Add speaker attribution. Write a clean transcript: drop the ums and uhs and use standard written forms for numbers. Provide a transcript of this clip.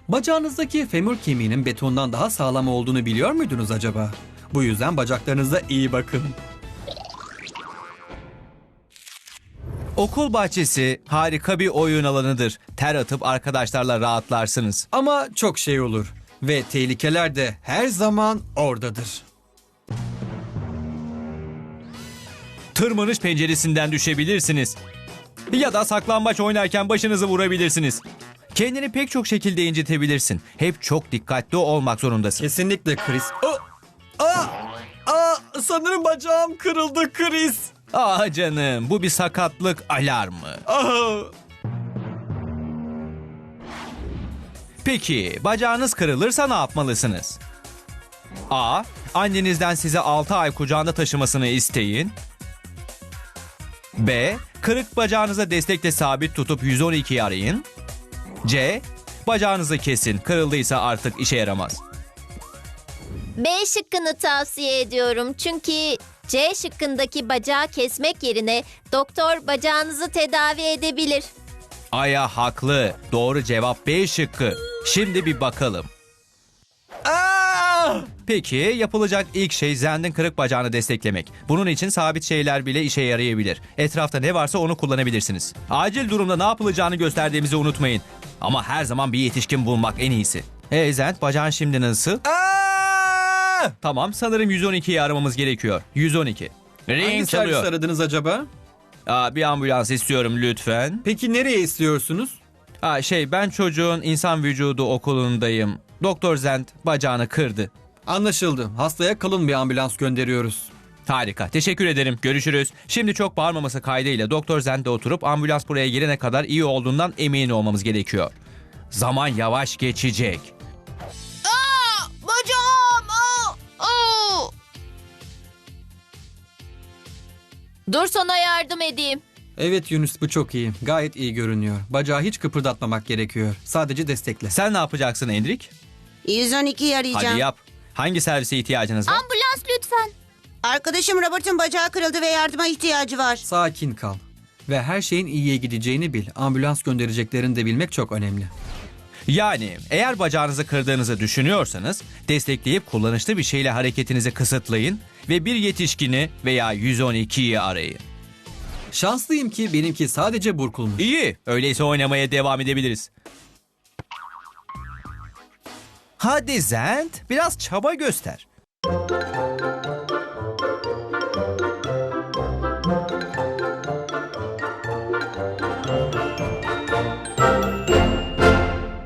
Speaker 1: Bacağınızdaki femur kemiğinin betondan daha sağlam olduğunu biliyor muydunuz acaba? Bu yüzden bacaklarınıza iyi bakın.
Speaker 2: Okul bahçesi harika bir oyun alanıdır. Ter atıp arkadaşlarla rahatlarsınız.
Speaker 1: Ama çok şey olur ve tehlikeler de her zaman oradadır.
Speaker 2: Tırmanış penceresinden düşebilirsiniz. Ya da saklambaç oynarken başınızı vurabilirsiniz. Kendini pek çok şekilde incitebilirsin. Hep çok dikkatli olmak zorundasın.
Speaker 1: Kesinlikle Chris. Sanırım bacağım kırıldı Chris.
Speaker 2: Ah canım, bu bir sakatlık alarmı. Peki, bacağınız kırılırsa ne yapmalısınız? A. Annenizden size 6 ay kucağında taşımasını isteyin. B. Kırık bacağınıza destekle sabit tutup 112'yi arayın. C. Bacağınızı kesin. Kırıldıysa artık işe yaramaz.
Speaker 3: B şıkkını tavsiye ediyorum. Çünkü C şıkkındaki bacağı kesmek yerine doktor bacağınızı tedavi edebilir.
Speaker 2: Aya haklı. Doğru cevap B şıkkı. Şimdi bir bakalım. Peki yapılacak ilk şey Zend'in kırık bacağını desteklemek. Bunun için sabit şeyler bile işe yarayabilir. Etrafta ne varsa onu kullanabilirsiniz. Acil durumda ne yapılacağını gösterdiğimizi unutmayın. Ama her zaman bir yetişkin bulmak en iyisi. Zend, bacağın şimdi nasıl? Tamam, sanırım 112'yi aramamız gerekiyor. 112.
Speaker 1: Hangi
Speaker 2: Ring
Speaker 1: servis
Speaker 2: çalıyor.
Speaker 1: aradınız acaba?
Speaker 2: Bir ambulans istiyorum lütfen.
Speaker 1: Peki nereye istiyorsunuz?
Speaker 2: Ben çocuğun insan vücudu okulundayım. Doktor Zend bacağını kırdı.
Speaker 1: Anlaşıldı. Hastaya kalın bir ambulans gönderiyoruz.
Speaker 2: Harika. Teşekkür ederim. Görüşürüz. Şimdi çok bağırmaması kaydıyla Doktor Zend'de oturup ambulans buraya gelene kadar iyi olduğundan emin olmamız gerekiyor. Zaman yavaş geçecek.
Speaker 3: Bacağım! Dur sana yardım edeyim.
Speaker 1: Evet Yunus, bu çok iyi. Gayet iyi görünüyor. Bacağı hiç kıpırdatmamak gerekiyor. Sadece destekle.
Speaker 2: Sen ne yapacaksın Endrik?
Speaker 4: 112'yi arayacağım.
Speaker 2: Hadi yap. Hangi servise ihtiyacınız var?
Speaker 3: Ambulans lütfen.
Speaker 4: Arkadaşım Robert'ın bacağı kırıldı ve yardıma ihtiyacı var.
Speaker 1: Sakin kal. Ve her şeyin iyiye gideceğini bil. Ambulans göndereceklerini de bilmek çok önemli.
Speaker 2: Yani eğer bacağınızı kırdığınızı düşünüyorsanız destekleyip kullanışlı bir şeyle hareketinizi kısıtlayın ve bir yetişkini veya 112'yi arayın.
Speaker 1: Şanslıyım ki benimki sadece burkulmuş.
Speaker 2: İyi. Öyleyse oynamaya devam edebiliriz. Hadi Zend, biraz çaba göster.